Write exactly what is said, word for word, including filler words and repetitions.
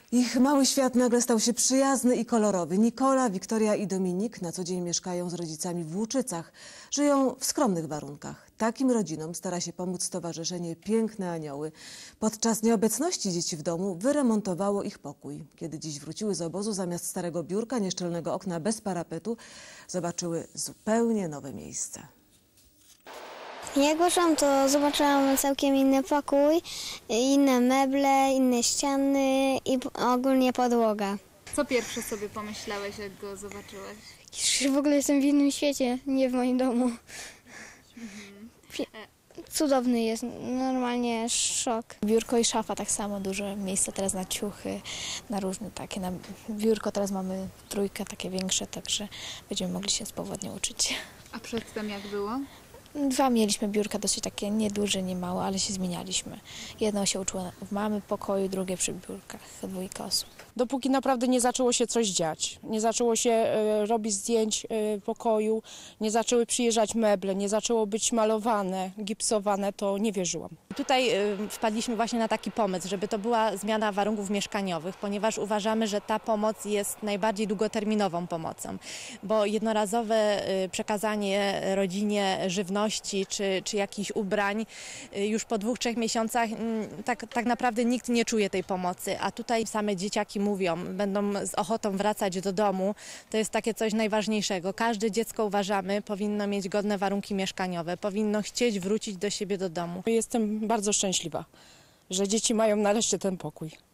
Ich mały świat nagle stał się przyjazny i kolorowy. Nikola, Wiktoria i Dominik na co dzień mieszkają z rodzicami w Łuczycach. Żyją w skromnych warunkach. Takim rodzinom stara się pomóc Stowarzyszenie Piękne Anioły. Podczas nieobecności dzieci w domu wyremontowało ich pokój. Kiedy dziś wróciły z obozu, zamiast starego biurka, nieszczelnego okna bez parapetu, zobaczyły zupełnie nowe miejsce. Jak poszłam, to zobaczyłam całkiem inny pokój, inne meble, inne ściany i ogólnie podłoga. Co pierwsze sobie pomyślałeś, jak go zobaczyłeś? W ogóle jestem w innym świecie, nie w moim domu. Mhm. Cudowny jest, normalnie szok. Biurko i szafa tak samo, dużo miejsca teraz na ciuchy, na różne takie. Na biurko teraz mamy trójkę, takie większe, także będziemy mogli się swobodnie uczyć. A przedtem jak było? Dwa mieliśmy biurka, dosyć takie nieduże, nie małe, ale się zmienialiśmy. Jedno się uczyło w mamy pokoju, drugie przy biurkach, dwójka osób. Dopóki naprawdę nie zaczęło się coś dziać, nie zaczęło się e, robić zdjęć e, pokoju, nie zaczęły przyjeżdżać meble, nie zaczęło być malowane, gipsowane, to nie wierzyłam. Tutaj y, wpadliśmy właśnie na taki pomysł, żeby to była zmiana warunków mieszkaniowych, ponieważ uważamy, że ta pomoc jest najbardziej długoterminową pomocą, bo jednorazowe y, przekazanie rodzinie żywności czy, czy jakichś ubrań y, już po dwóch, trzech miesiącach y, tak, tak naprawdę nikt nie czuje tej pomocy, a tutaj same dzieciaki mówią, będą z ochotą wracać do domu, to jest takie coś najważniejszego. Każde dziecko, uważamy, powinno mieć godne warunki mieszkaniowe, powinno chcieć wrócić do siebie do domu. Jestem bardzo szczęśliwa, że dzieci mają nareszcie ten pokój.